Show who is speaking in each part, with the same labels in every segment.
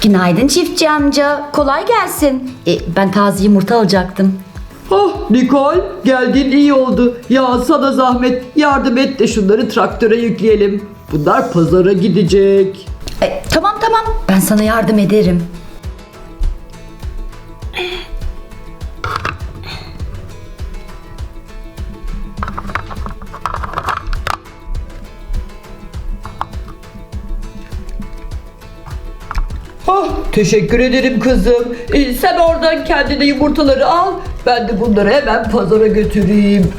Speaker 1: Günaydın çiftçi amca. Kolay gelsin. Ben taze yumurta alacaktım.
Speaker 2: Ah Nikol, geldin iyi oldu. Ya sana zahmet, yardım et de şunları traktöre yükleyelim. Bunlar pazara gidecek.
Speaker 1: Tamam tamam. Ben sana yardım ederim.
Speaker 2: Ah, teşekkür ederim kızım. Sen oradan kendine yumurtaları al. Ben de bunları hemen pazara götüreyim.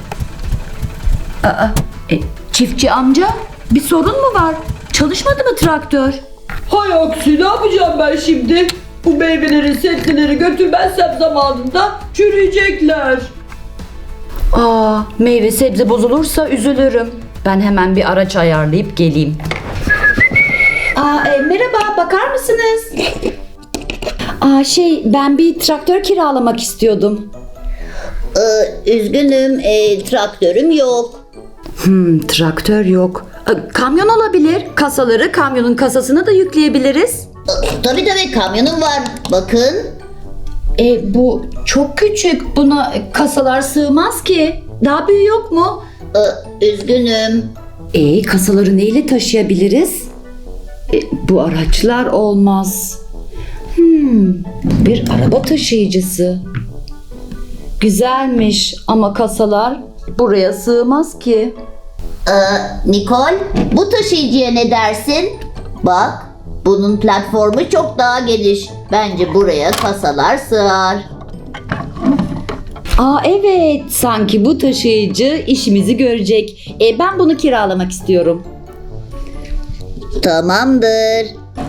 Speaker 1: Çiftçi amca, bir sorun mu var? Çalışmadı mı traktör?
Speaker 2: Hay aksi, ne yapacağım ben şimdi? Bu meyveleri, sebzeleri götürmezsem zamanında çürüyecekler.
Speaker 1: Meyve sebze bozulursa üzülürüm. Ben hemen bir araç ayarlayıp geleyim. Merhaba, bakar mısınız? Ben bir traktör kiralamak istiyordum.
Speaker 3: Üzgünüm, traktörüm yok.
Speaker 1: Traktör yok. Kamyon olabilir. Kasaları kamyonun kasasına da yükleyebiliriz.
Speaker 3: Tabii kamyonum var. Bakın.
Speaker 1: Bu çok küçük. Buna kasalar sığmaz ki. Daha büyüğü yok mu?
Speaker 3: Üzgünüm.
Speaker 1: Kasaları neyle taşıyabiliriz? Bu araçlar olmaz. Bir araba taşıyıcısı. Güzelmiş ama kasalar buraya sığmaz ki.
Speaker 3: Nikol, bu taşıyıcıya ne dersin? Bak, bunun platformu çok daha geniş. Bence buraya kasalar sığar.
Speaker 1: Evet, sanki bu taşıyıcı işimizi görecek. Ben bunu kiralamak istiyorum.
Speaker 3: Tamamdır.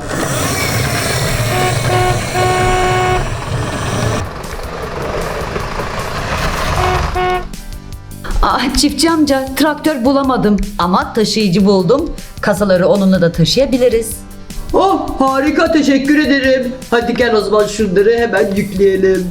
Speaker 1: Çiftçi amca, traktör bulamadım ama taşıyıcı buldum. Kasaları onunla da taşıyabiliriz.
Speaker 2: Oh harika, teşekkür ederim. Hadi gel o zaman şunları hemen yükleyelim.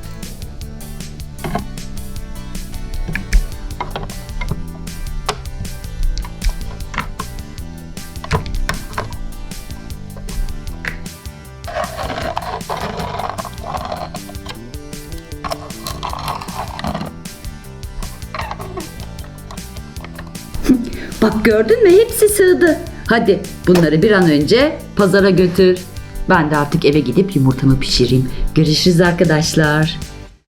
Speaker 1: Bak gördün mü, hepsi sığdı. Hadi bunları bir an önce pazara götür. Ben de artık eve gidip yumurtamı pişireyim. Görüşürüz arkadaşlar.